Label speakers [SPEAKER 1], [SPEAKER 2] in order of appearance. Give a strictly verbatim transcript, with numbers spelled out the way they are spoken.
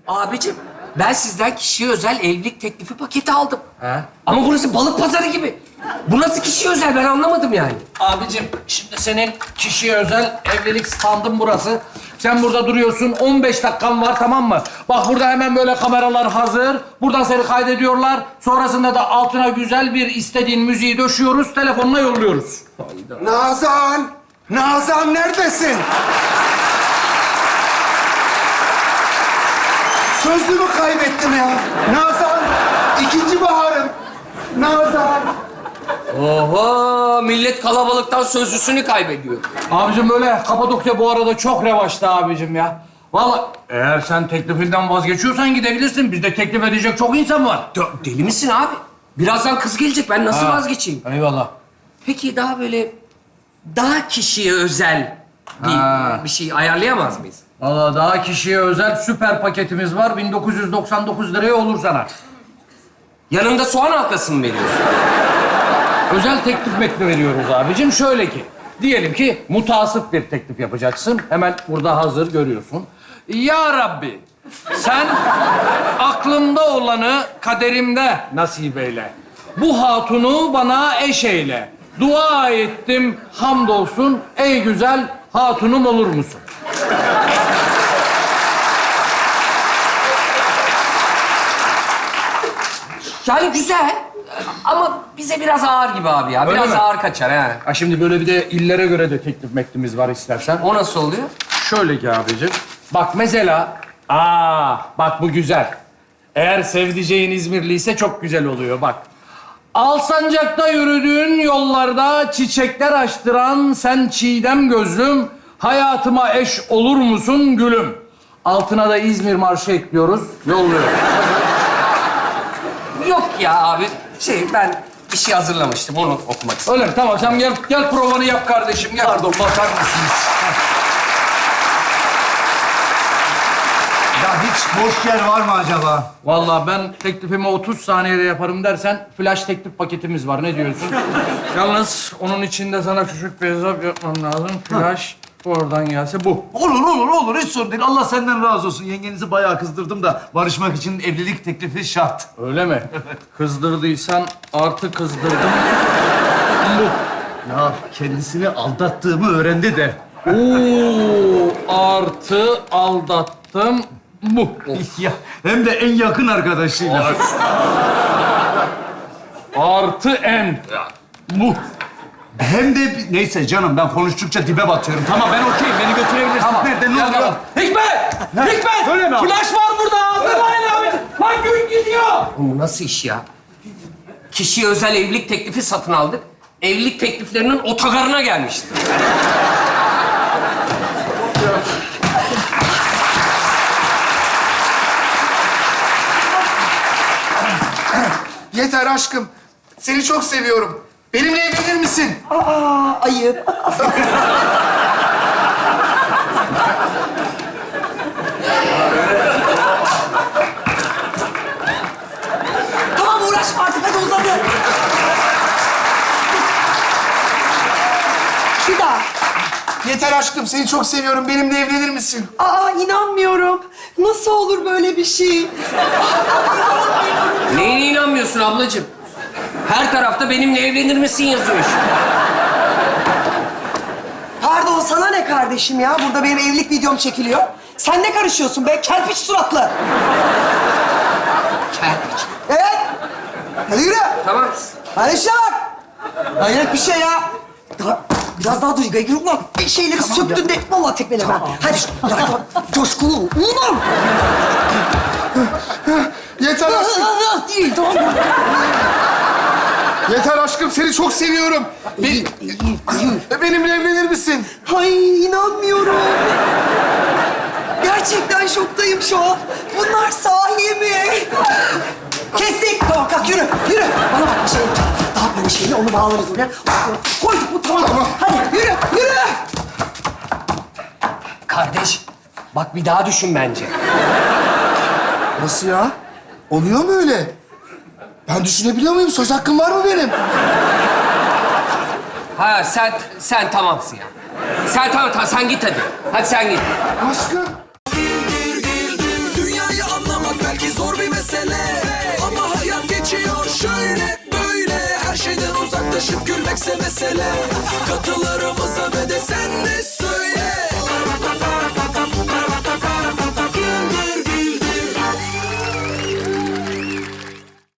[SPEAKER 1] Abicim, ben sizden kişiye özel evlilik teklifi paketi aldım.
[SPEAKER 2] He?
[SPEAKER 1] Ama burası balık pazarı gibi. Bu nasıl kişiye özel? Ben anlamadım yani.
[SPEAKER 2] Abicim, şimdi senin kişiye özel evlilik standın burası. Sen burada duruyorsun, on beş dakikan var, tamam mı? Bak burada hemen böyle kameralar hazır. Buradan seni kaydediyorlar. Sonrasında da altına güzel bir istediğin müziği döşüyoruz, telefonla yolluyoruz.
[SPEAKER 3] Nazan! Nazan neredesin? Sözlüğümü kaybettim ya. Nazan! İkinci baharım. Nazan!
[SPEAKER 1] Oho, millet kalabalıktan sözlüsünü kaybediyor.
[SPEAKER 2] Abicim böyle Kapadokya bu arada çok revaçta abicim ya. Vallahi eğer sen teklifinden vazgeçiyorsan gidebilirsin. Bizde teklif edecek çok insan var.
[SPEAKER 1] De- deli misin abi? Birazdan kız gelecek. Ben nasıl
[SPEAKER 2] Ha.
[SPEAKER 1] vazgeçeyim?
[SPEAKER 2] Eyvallah.
[SPEAKER 1] Peki daha böyle daha kişiye özel bir,
[SPEAKER 2] Ha.
[SPEAKER 1] bir şey ayarlayamaz mıyız?
[SPEAKER 2] Vallahi daha kişiye özel süper paketimiz var. bin dokuz yüz doksan dokuz liraya olur sana.
[SPEAKER 1] Yanında soğan halkası mı veriyorsun?
[SPEAKER 2] Özel teklif metni veriyoruz abicim. Şöyle ki, diyelim ki mutasip bir teklif yapacaksın. Hemen burada hazır görüyorsun. Ya Rabbi, sen aklımda olanı kaderimde nasip eyle. Bu hatunu bana eş eyle. Dua ettim, hamdolsun. Ey güzel hatunum olur musun?
[SPEAKER 1] Yani güzel ama bize biraz ağır gibi abi ya.
[SPEAKER 2] Öyle
[SPEAKER 1] Biraz
[SPEAKER 2] mi?
[SPEAKER 1] ağır kaçar ha.
[SPEAKER 2] Ha şimdi böyle bir de illere göre de teklif metnimiz var istersen.
[SPEAKER 1] O nasıl oluyor?
[SPEAKER 2] Şöyle ki abicim. Bak mesela, aa bak bu güzel. Eğer sevdiceğin İzmirliyse çok güzel oluyor bak. Alsancak'ta yürüdüğün yollarda çiçekler açtıran sen çiğdem gözlüm, hayatıma eş olur musun gülüm? Altına da İzmir marşı ekliyoruz, yolluyoruz.
[SPEAKER 1] Yok ya abi. Şey ben bir şey hazırlamıştım. Onu okumak istedim.
[SPEAKER 2] Öyle mi? Tamam sen gel, gel provanı yap kardeşim. Gel.
[SPEAKER 3] Pardon, bakar mısınız? Ya hiç boş yer var mı acaba?
[SPEAKER 2] Vallahi ben teklifimi otuz saniyede yaparım dersen flash teklif paketimiz var. Ne diyorsun? Yalnız onun içinde sana küçük bir hesap yapmam lazım. Flash oradan gelse bu.
[SPEAKER 3] Olur, olur, olur. Hiç sorun değil. Allah senden razı olsun. Yengenizi bayağı kızdırdım da barışmak için evlilik teklifi şart.
[SPEAKER 2] Öyle mi? Kızdırdıysan artı kızdırdım. Bu.
[SPEAKER 3] Ya kendisini aldattığımı öğrendi de.
[SPEAKER 2] Oo, artı aldattım. Bu.
[SPEAKER 3] Ya hem de en yakın arkadaşıyla.
[SPEAKER 2] Artı en. Bu.
[SPEAKER 3] Hem de neyse canım ben konuştukça dibe batıyorum. Tamam ben okeyim. Beni götürebilirsin.
[SPEAKER 2] Tamam.
[SPEAKER 3] Nerede? Ne
[SPEAKER 2] Ya,
[SPEAKER 3] oluyor?
[SPEAKER 2] tamam. Hikmet! Hikmet!
[SPEAKER 3] Öyle mi abi?
[SPEAKER 2] Flash var burada. Hazırlayın abi. Lan gün gidiyor.
[SPEAKER 1] Bu nasıl iş ya? Kişiye özel evlilik teklifi satın aldık. Evlilik tekliflerinin otogarına gelmişti.
[SPEAKER 4] Yeter aşkım. Seni çok seviyorum. Benimle evlenir misin?
[SPEAKER 5] Ayıp. Tamam uğraşma artık hadi uzadı. Bir daha.
[SPEAKER 4] Yeter aşkım. Seni çok seviyorum. Benimle evlenir misin?
[SPEAKER 5] Aa inanmıyorum. Nasıl olur böyle bir şey?
[SPEAKER 1] Neyine inanmıyorsun ablacığım? Her tarafta benimle evlenir misin yazıyor işte.
[SPEAKER 5] Pardon sana ne kardeşim ya? Burada benim evlilik videom çekiliyor. Sen ne karışıyorsun be? Kerpiç suratlı.
[SPEAKER 1] Kerpiç.
[SPEAKER 5] Evet. Hadi yürü.
[SPEAKER 1] Tamam.
[SPEAKER 5] Hadi işe bak. Hayret bir şey ya. Daha, biraz daha duy. Gaygır ulan. Bir şeyleri söktün de vallahi tekmeleme. Hadi. Ya, tamam. Coşkulu. Ulan.
[SPEAKER 4] Yeter aşkım.
[SPEAKER 5] Değil tamam mı?
[SPEAKER 4] Yeter aşkım. Seni çok seviyorum. Be-
[SPEAKER 5] İyi, iyi, iyi.
[SPEAKER 4] benimle evlenir misin?
[SPEAKER 5] Ay inanmıyorum. Gerçekten şoktayım şu an. Bunlar sahi mi? Kestik. Tamam kalk yürü. Yürü. Bana bak bir şey yapacağız. Daha böyle şeyle onu bağlarız oraya. Koyduk mu tamam.
[SPEAKER 4] Tamam.
[SPEAKER 5] Hadi yürü yürü.
[SPEAKER 1] Kardeş, bak bir daha düşün bence.
[SPEAKER 4] Nasıl ya? Oluyor mu öyle? Ben düşünebiliyor muyum? Söz hakkım var mı benim?
[SPEAKER 1] Ha sen sen tamamsın ya. Sen tamam tamam sen git hadi. Hadi sen git.
[SPEAKER 4] Aşkım.
[SPEAKER 6] Dünyayı anlatmak belki zor bir mesele, ama hayat geçiyor şöyle böyle. Her şeyden uzaklaşıp gülmekse mesele. Katılır